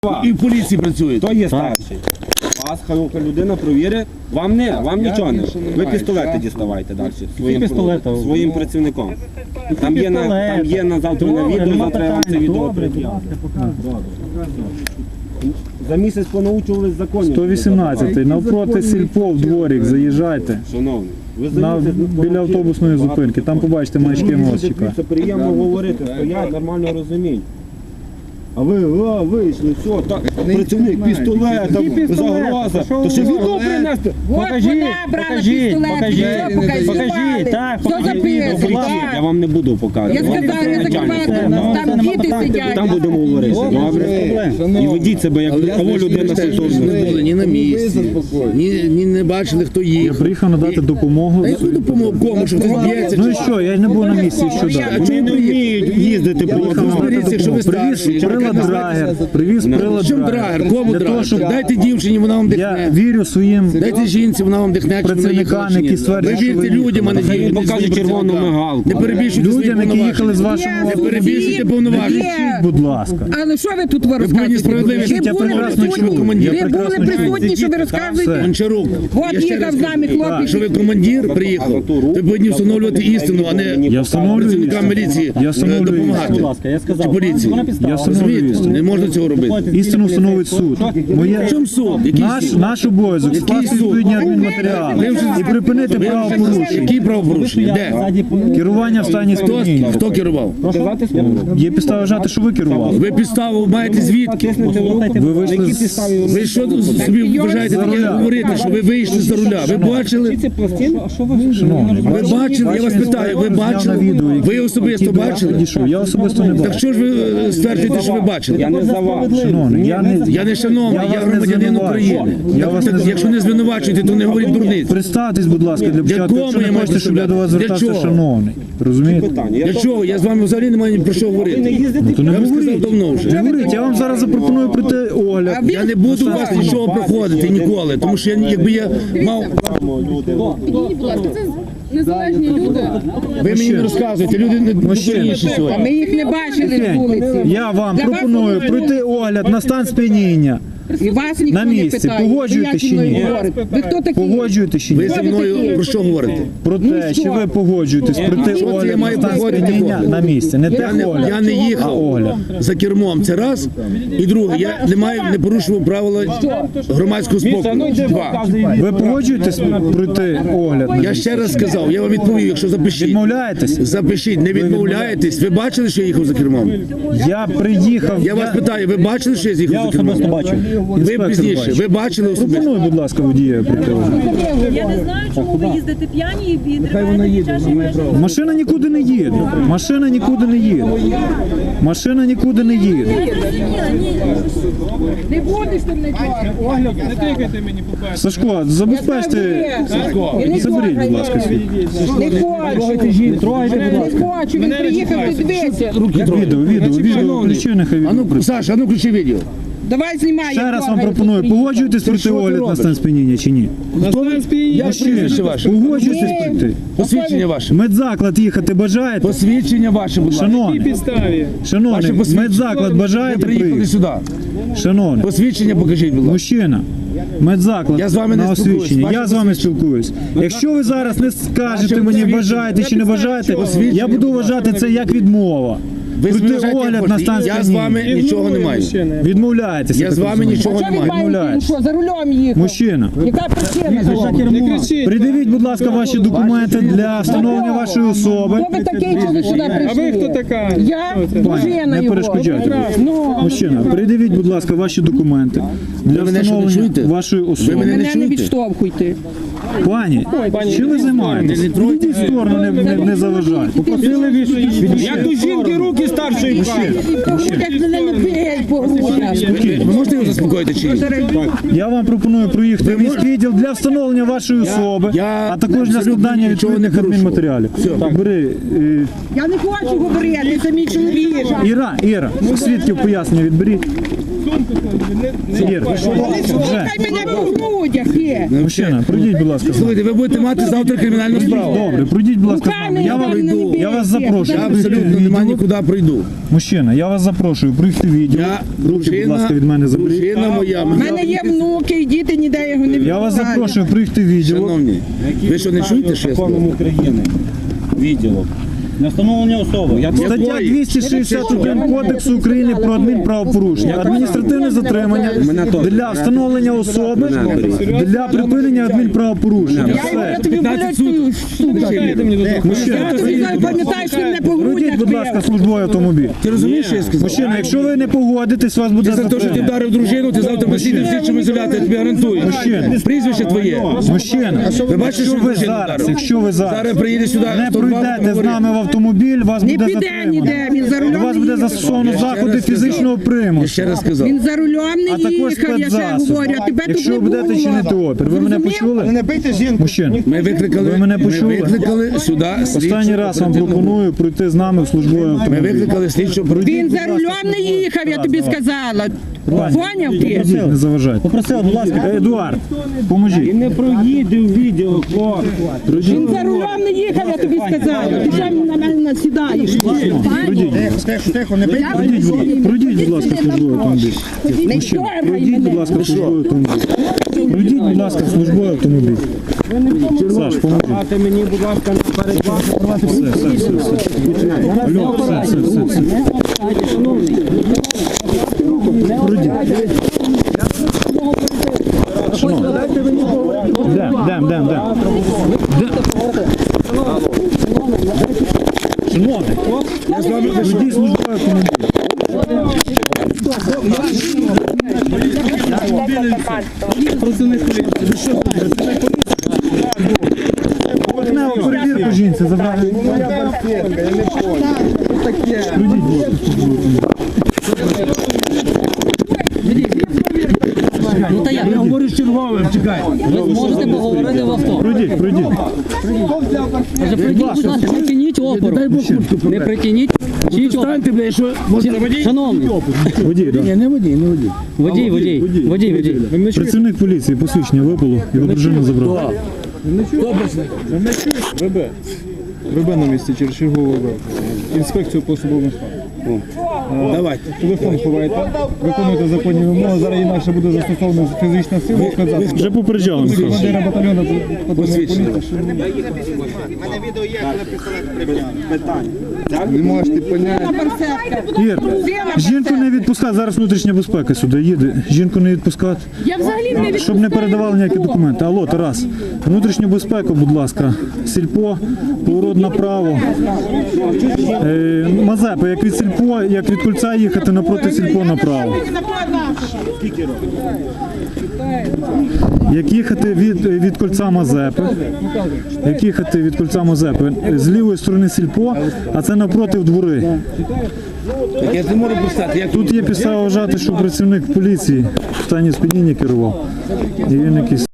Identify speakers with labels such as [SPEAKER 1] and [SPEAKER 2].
[SPEAKER 1] І в поліції працює.
[SPEAKER 2] Хто є старший? Вас хай людина провірить. Вам нічого не. Ви пістолети діставайте далі. Своїм працівником. Там є на завтра на відео, завтра я вам це відео прикину. За місяць понаучувались законів.
[SPEAKER 3] 118-й, навпроти сільпо в дворик, заїжджайте.
[SPEAKER 2] Шановний,
[SPEAKER 3] Біля автобусної зупинки, там побачите маячки мостика.
[SPEAKER 2] Це приємно говорити, стоять, нормально розуміють. А ви вийшли, все, так, працівник, пістолет, загроза, то ще відео принести.
[SPEAKER 3] Покажіть, так, покажіть.
[SPEAKER 2] Я вам не буду показувати.
[SPEAKER 4] Я сказав, не закривайте, там діти сидять.
[SPEAKER 2] Там будемо говорити, добре? І ведіть себе, як кого людина
[SPEAKER 1] Ми не були ні на місці, ні не бачили, хто
[SPEAKER 3] Я
[SPEAKER 1] їх.
[SPEAKER 3] приїхав надати допомогу.
[SPEAKER 1] А яку допомогу? Кому? Що хтось б'ється?
[SPEAKER 3] Ну і що, я не був на місці, що далі?
[SPEAKER 2] Вони не вміють їздити по
[SPEAKER 1] Розберіться, якщо ви старші.
[SPEAKER 3] Привіз прилад
[SPEAKER 1] Чим драгер? Кому
[SPEAKER 3] Для того,
[SPEAKER 1] драгер?
[SPEAKER 3] щоб
[SPEAKER 1] Дайте дівчині, вона вам
[SPEAKER 3] я
[SPEAKER 1] дихне.
[SPEAKER 3] вірю своїм
[SPEAKER 1] Дайте жінці, вона вам дихне, чи вона їхала,
[SPEAKER 3] працівникам,
[SPEAKER 1] чи ні.
[SPEAKER 3] які стверджують,
[SPEAKER 1] Ви
[SPEAKER 3] що
[SPEAKER 1] вірте
[SPEAKER 3] ви
[SPEAKER 1] людям, а не
[SPEAKER 3] їхали.
[SPEAKER 1] дівчині.
[SPEAKER 2] Покажуть червону мигалку.
[SPEAKER 1] Не перебільшуйте свої
[SPEAKER 3] людям, які їхали з
[SPEAKER 1] повноваження.
[SPEAKER 3] вашого
[SPEAKER 1] Не перебільшуйте повноваження.
[SPEAKER 3] Кричіть, будь ласка.
[SPEAKER 4] Але що ви тут
[SPEAKER 1] Ви будьте
[SPEAKER 4] розказуєте?
[SPEAKER 1] справедливі.
[SPEAKER 3] Я прекрасно чую.
[SPEAKER 1] командир.
[SPEAKER 4] Ви були присутні, що ви розказуєте?
[SPEAKER 1] Гончарук.
[SPEAKER 4] От
[SPEAKER 1] Я ще
[SPEAKER 4] їхав
[SPEAKER 1] раз
[SPEAKER 4] з нами
[SPEAKER 1] кажу,
[SPEAKER 4] хлопець.
[SPEAKER 1] що ви командир приїхав, ви повинні встановлювати істину, а не
[SPEAKER 3] Я встановлюю
[SPEAKER 1] працівникам
[SPEAKER 3] істину.
[SPEAKER 1] міліції
[SPEAKER 3] Я встановлюю
[SPEAKER 1] допомагати.
[SPEAKER 3] істину.
[SPEAKER 1] Чи поліції.
[SPEAKER 3] Я встановлюю
[SPEAKER 1] Розумієте?
[SPEAKER 3] істину.
[SPEAKER 1] Не можна цього робити.
[SPEAKER 3] Істину встановить суд.
[SPEAKER 1] В чому суд? Який суд?
[SPEAKER 3] Наш обов'язок скласти
[SPEAKER 1] суд?
[SPEAKER 3] відповідні адмінматеріали і припинити правопорушення.
[SPEAKER 1] Які правопорушення? Де?
[SPEAKER 3] Керування в стані сп'яніння.
[SPEAKER 1] Хто керував?
[SPEAKER 3] Є підстава вважати, що ви керували.
[SPEAKER 1] Ви підставу маєте звідки?
[SPEAKER 3] Ви вийшли з...
[SPEAKER 1] Ви що собі вважаєте таке говорити, що ви вийшли за руля? Ви бачили?
[SPEAKER 3] Шановний,
[SPEAKER 1] Ви бачили? Я вас питаю, ви бачили? Ви особисто бачили?
[SPEAKER 3] Підійшов. Я особисто не
[SPEAKER 1] Так
[SPEAKER 3] бачу.
[SPEAKER 1] що ж ви стверджуєте, що ви бачили?
[SPEAKER 2] Я не за вас.
[SPEAKER 3] Шановний,
[SPEAKER 1] Я не шановний, я громадянин України. Якщо не звинувачуєте, то не говоріть дурниць.
[SPEAKER 3] Представтесь, будь ласка, для початку,
[SPEAKER 1] кому
[SPEAKER 3] якщо
[SPEAKER 1] я
[SPEAKER 3] не
[SPEAKER 1] маю
[SPEAKER 3] хочете, щоб я до вас
[SPEAKER 1] представляти? Для
[SPEAKER 3] звертався,
[SPEAKER 1] чого?
[SPEAKER 3] шановний. Розумієте?
[SPEAKER 1] Для чого? Я з вами взагалі не маю ні про що говорити.
[SPEAKER 3] То не
[SPEAKER 1] Я вам сказав
[SPEAKER 3] говоріть.
[SPEAKER 1] давно вже.
[SPEAKER 3] Не говоріть, я вам зараз запропоную пройти огляд.
[SPEAKER 1] Я не буду у вас нічого проходити ніколи, тому що якби я мав...
[SPEAKER 5] Підійдіть, будь ласка, це незалежні люди.
[SPEAKER 1] Ви мені не розказуєте, люди не дурніші
[SPEAKER 4] А
[SPEAKER 1] сьогодні.
[SPEAKER 4] ми їх не бачили з вулиці.
[SPEAKER 3] Я вам
[SPEAKER 4] Для вас
[SPEAKER 3] пропоную
[SPEAKER 4] вони
[SPEAKER 3] пройти огляд на стан сп'яніння.
[SPEAKER 4] І вас ніхто
[SPEAKER 3] На
[SPEAKER 4] не
[SPEAKER 3] місці.
[SPEAKER 4] питає.
[SPEAKER 3] Погоджуєте
[SPEAKER 4] Ви
[SPEAKER 3] чи
[SPEAKER 4] як зі мною
[SPEAKER 3] ні?
[SPEAKER 4] говорите? Ви хто такі?
[SPEAKER 3] Погоджуєте чи
[SPEAKER 1] Ви
[SPEAKER 3] ні?
[SPEAKER 1] зі мною про що говорите?
[SPEAKER 3] Про те, чи ви погоджуєтесь пройти
[SPEAKER 1] Що це я
[SPEAKER 3] огляд на
[SPEAKER 1] маю
[SPEAKER 3] стан
[SPEAKER 1] погодити
[SPEAKER 3] сп'яніння
[SPEAKER 1] огляд?
[SPEAKER 3] на місці. Не те огляд,
[SPEAKER 1] Я не
[SPEAKER 3] а
[SPEAKER 1] їхав
[SPEAKER 3] огляд.
[SPEAKER 1] за кермом, це раз. І друге, я не порушував правила громадського спокою. Два.
[SPEAKER 3] Ви погоджуєтесь пройти огляд? на
[SPEAKER 1] Я
[SPEAKER 3] місці?
[SPEAKER 1] ще раз сказав, я вам відповів, якщо запишіть.
[SPEAKER 3] Відмовляєтесь?
[SPEAKER 1] Запишіть, не відмовляєтесь. Ви бачили, що я їхав за кермом?
[SPEAKER 3] Я приїхав.
[SPEAKER 1] Я вас питаю, ви бачили, що я з'їхав за кермом? Ви
[SPEAKER 3] Інспектор
[SPEAKER 1] пізніше,
[SPEAKER 3] бачив.
[SPEAKER 1] ви бачили особисто?
[SPEAKER 3] Пропоную, будь ласка, водія пройти огляд.
[SPEAKER 6] Я не знаю, чому ви їздите п'яні і відриваєте під час вашої...
[SPEAKER 3] Машина нікуди не їде. Машина нікуди не їде. Машина нікуди не їде.
[SPEAKER 4] Не будеш ти мене чого?
[SPEAKER 3] Сашко, забезпечте. Заберіть, будь ласка, свій.
[SPEAKER 4] Не хочу. Не хочу. Він приїхав, ти дивися.
[SPEAKER 3] Відео, включи, нехай
[SPEAKER 1] А ну, Саша, а ну включи відео.
[SPEAKER 4] Давай знімай.
[SPEAKER 3] Ще
[SPEAKER 4] як
[SPEAKER 3] раз вам
[SPEAKER 4] дорого
[SPEAKER 3] пропоную,
[SPEAKER 4] тут
[SPEAKER 3] погоджуєтесь пройти огляд на стан сп'яніння чи ні?
[SPEAKER 1] Як прізвище ваше?
[SPEAKER 3] Погоджуєтесь пройти?
[SPEAKER 1] Посвідчення ваше.
[SPEAKER 3] Медзаклад їхати бажаєте?
[SPEAKER 1] Посвідчення ваше, будь ласка.
[SPEAKER 3] Шановний, шановний, медзаклад
[SPEAKER 1] Ви
[SPEAKER 3] бажаєте
[SPEAKER 1] приїхали
[SPEAKER 3] приїхати?
[SPEAKER 1] сюди.
[SPEAKER 3] Шановний,
[SPEAKER 1] Посвідчення покажіть, будь ласка.
[SPEAKER 3] мужчина, медзаклад
[SPEAKER 1] Я з вами не
[SPEAKER 3] на
[SPEAKER 1] спілкуюсь.
[SPEAKER 3] освічення.
[SPEAKER 1] Ваше
[SPEAKER 3] Я з вами спілкуюсь. Якщо ви зараз не скажете мені, бажаєте чи не бажаєте, я буду вважати це як відмова.
[SPEAKER 1] Ви
[SPEAKER 3] Пройти
[SPEAKER 1] зважаєте,
[SPEAKER 3] огляд на стан
[SPEAKER 1] я з вами
[SPEAKER 3] сп'яніння.
[SPEAKER 1] нічого не маю.
[SPEAKER 3] Відмовляєтеся.
[SPEAKER 1] Я з
[SPEAKER 3] так
[SPEAKER 1] вами
[SPEAKER 3] розумію.
[SPEAKER 1] нічого
[SPEAKER 4] А
[SPEAKER 1] не
[SPEAKER 4] що ви
[SPEAKER 1] маю.
[SPEAKER 4] маєте?
[SPEAKER 3] Відмовляєтесь.
[SPEAKER 4] Що, за рулем їхав?
[SPEAKER 3] Мужчина,
[SPEAKER 4] Яка причина?
[SPEAKER 3] придивіть, будь ласка, ваші документи для встановлення вашої особи.
[SPEAKER 4] Хто ви такий, що ви сюди прийшли? А ви хто така? Я дружина
[SPEAKER 3] Не
[SPEAKER 4] його.
[SPEAKER 3] перешкоджайте.
[SPEAKER 4] Ну,
[SPEAKER 3] Мужчина, придивіть, будь ласка, ваші документи для
[SPEAKER 1] мене що, не
[SPEAKER 3] встановлення
[SPEAKER 1] чуєте?
[SPEAKER 3] вашої особи.
[SPEAKER 1] мене
[SPEAKER 4] мене не
[SPEAKER 1] чуєте?
[SPEAKER 4] відштовхуйте.
[SPEAKER 3] Пані, чим ви займаєтесь? Відійдіть в сторону, не заважайте.
[SPEAKER 2] Як до жінки руки старшої пхають.
[SPEAKER 4] Як мене не б'ють по грудях.
[SPEAKER 1] Ви можете його заспокоїти чи ні?
[SPEAKER 3] Я вам пропоную проїхати в міський відділ для встановлення вашої особи,
[SPEAKER 1] я
[SPEAKER 3] а також для
[SPEAKER 1] абсолютно
[SPEAKER 3] складання
[SPEAKER 1] нічого не
[SPEAKER 3] відповідних адмінматеріалів. Так, бери.
[SPEAKER 4] Я не хочу говорити, це мій чоловік.
[SPEAKER 3] Іра, свідків пояснення відберіть. Ір, ви що? Вже.
[SPEAKER 4] Хай мене по грудях є.
[SPEAKER 3] Мужчина, пройдіть, будь ласка.
[SPEAKER 1] Слухайте, ви будете мати завтра кримінальну справу.
[SPEAKER 3] Добре, пройдіть, будь ласка, з нами. Я вас запрошую.
[SPEAKER 1] Я
[SPEAKER 3] пройти
[SPEAKER 1] абсолютно
[SPEAKER 3] відділ.
[SPEAKER 1] нема нікуди прийду.
[SPEAKER 3] Мужчина, я вас запрошую, прийти в відділ.
[SPEAKER 1] Я
[SPEAKER 3] Руки, будь ласка, від мене заберіть.
[SPEAKER 1] дружина моя.
[SPEAKER 4] У мене є внуки і діти, ніде його не
[SPEAKER 3] Я вас
[SPEAKER 4] відпускають.
[SPEAKER 3] запрошую прийти в відділ.
[SPEAKER 1] Шановні, ви що не чуєте, що я
[SPEAKER 2] законом
[SPEAKER 1] сказав?
[SPEAKER 2] України? Відділок.
[SPEAKER 7] Не встановлення особи.
[SPEAKER 3] Стаття 261 Кодексу України про адмінправопорушення. Адміністративне затримання для встановлення особи, для припинення адмінправопорушення.
[SPEAKER 4] Я
[SPEAKER 3] Все.
[SPEAKER 4] тобі болючую штуку. Я тобі пам'ятаю, що ти мене по
[SPEAKER 3] Пройдіть,
[SPEAKER 4] грудях
[SPEAKER 3] будь ласка, службовий автомобіль.
[SPEAKER 1] Ти розумієш, що я сказав?
[SPEAKER 3] Мужчина, якщо ви не погодитесь, вас буде
[SPEAKER 1] Ти за те, що ти
[SPEAKER 3] затримання.
[SPEAKER 1] вдарив дружину, ти завтра посідеш в слідчому ізоляторі, я тобі гарантую.
[SPEAKER 3] Мужчина.
[SPEAKER 1] Прізвище твоє.
[SPEAKER 3] Мужчина,
[SPEAKER 1] Ви бачите, що
[SPEAKER 3] якщо ви зараз
[SPEAKER 1] Зараз приїде сюди.
[SPEAKER 3] не
[SPEAKER 1] 102
[SPEAKER 3] пройдете з
[SPEAKER 1] говорить.
[SPEAKER 3] нами в автомобіль, вас
[SPEAKER 4] Не
[SPEAKER 3] буде
[SPEAKER 4] піде
[SPEAKER 3] затримано.
[SPEAKER 4] ніде, він за
[SPEAKER 3] До
[SPEAKER 4] рулем
[SPEAKER 3] вас
[SPEAKER 4] не
[SPEAKER 3] буде
[SPEAKER 4] їхав.
[SPEAKER 3] застосовано заходи фізичного
[SPEAKER 1] Я
[SPEAKER 3] примусу.
[SPEAKER 1] ще раз сказав.
[SPEAKER 4] Він за рулем
[SPEAKER 3] А
[SPEAKER 4] не
[SPEAKER 3] також
[SPEAKER 4] їхав, я ще
[SPEAKER 3] спецзасоби.
[SPEAKER 4] говорю, а тебе тут
[SPEAKER 3] Якщо
[SPEAKER 4] не
[SPEAKER 3] ви будете
[SPEAKER 4] було.
[SPEAKER 3] чинити опір, ви мене
[SPEAKER 4] Зрозумів?
[SPEAKER 3] почули?
[SPEAKER 7] Не бийте жінку.
[SPEAKER 3] Мужчина,
[SPEAKER 1] Ми викликали,
[SPEAKER 3] Ви мене
[SPEAKER 1] ми
[SPEAKER 3] почули?
[SPEAKER 1] викликали сюди
[SPEAKER 3] останній раз вам пропоную пройти з нами в службовий
[SPEAKER 1] Ми
[SPEAKER 3] автомобіль.
[SPEAKER 1] викликали слідчу
[SPEAKER 4] Він за рулем не їхав, я тобі сказала. Поняв ти?
[SPEAKER 3] Попросіть, не заважайте.
[SPEAKER 7] Попросив, будь ласка.
[SPEAKER 3] Едуард, поможіть.
[SPEAKER 2] І не проїде в відділок, хлопці.
[SPEAKER 4] Він за рулем не їхав, я тобі сказала. Ти що на мене насідаєш?
[SPEAKER 7] Тихо, не бийте.
[SPEAKER 3] Пройдіть, будь ласка, службовий автомобіль.
[SPEAKER 4] Не
[SPEAKER 3] Мужчина,
[SPEAKER 4] дергай
[SPEAKER 3] пройдіть, будь
[SPEAKER 4] мене.
[SPEAKER 3] ласка, службовий автомобіль. Пройдіть, будь ласка, службовий автомобіль. Саш, поможіть.
[SPEAKER 2] Дайте мені, будь ласка, наперед вас.
[SPEAKER 3] Алло, все. Пройдіть. Дем. Шановний, пройдіть службовий автомобіль. Поверхневу перевірку жінці забрали. Пройдіть, будь ласка, службовий автомобіль.
[SPEAKER 1] Я говорю з черговим, чекай.
[SPEAKER 8] Можете поговорити в авто.
[SPEAKER 3] Пройдіть.
[SPEAKER 8] Каже, прийдіть, будь ласка, притягніть опору. Не притягніть. Чіть опору.
[SPEAKER 1] Станьте, бля, що...
[SPEAKER 8] Шановний,
[SPEAKER 3] Водій, так.
[SPEAKER 1] Ні, не водій, не водій.
[SPEAKER 8] водій.
[SPEAKER 3] Працівник поліції посвідчення випало, його дружину забрали.
[SPEAKER 7] ВБ на місці через чергову ВБ. Інспекцію по особовому складу.
[SPEAKER 1] Давайте.
[SPEAKER 7] Телефон ховайте, виконуйте законні вимоги, зараз інакше буде застосована фізична сила. Сказати.
[SPEAKER 3] Вже попереджали, Михайло.
[SPEAKER 7] Командира батальйону патрульної поліції.
[SPEAKER 2] Не можете поняти.
[SPEAKER 3] Ір, жінку не відпускати, зараз внутрішня безпека сюди їде. Жінку не відпускати,
[SPEAKER 5] Я взагалі не
[SPEAKER 3] щоб не передавали ніякі документи. Алло, Тарас, внутрішню безпеку, будь ласка. Сільпо, поворот направо. Мазепа, як від Сільпо, як від кільця їхати напроти Сільпо направо. Як їхати від кільця Мазепи, з лівої сторони Сільпо, а це напроти двори.
[SPEAKER 1] Так я не можу пристати. Як
[SPEAKER 3] Тут є підстава вважати, що працівник поліції в стані сп'яніння керував. І він якийсь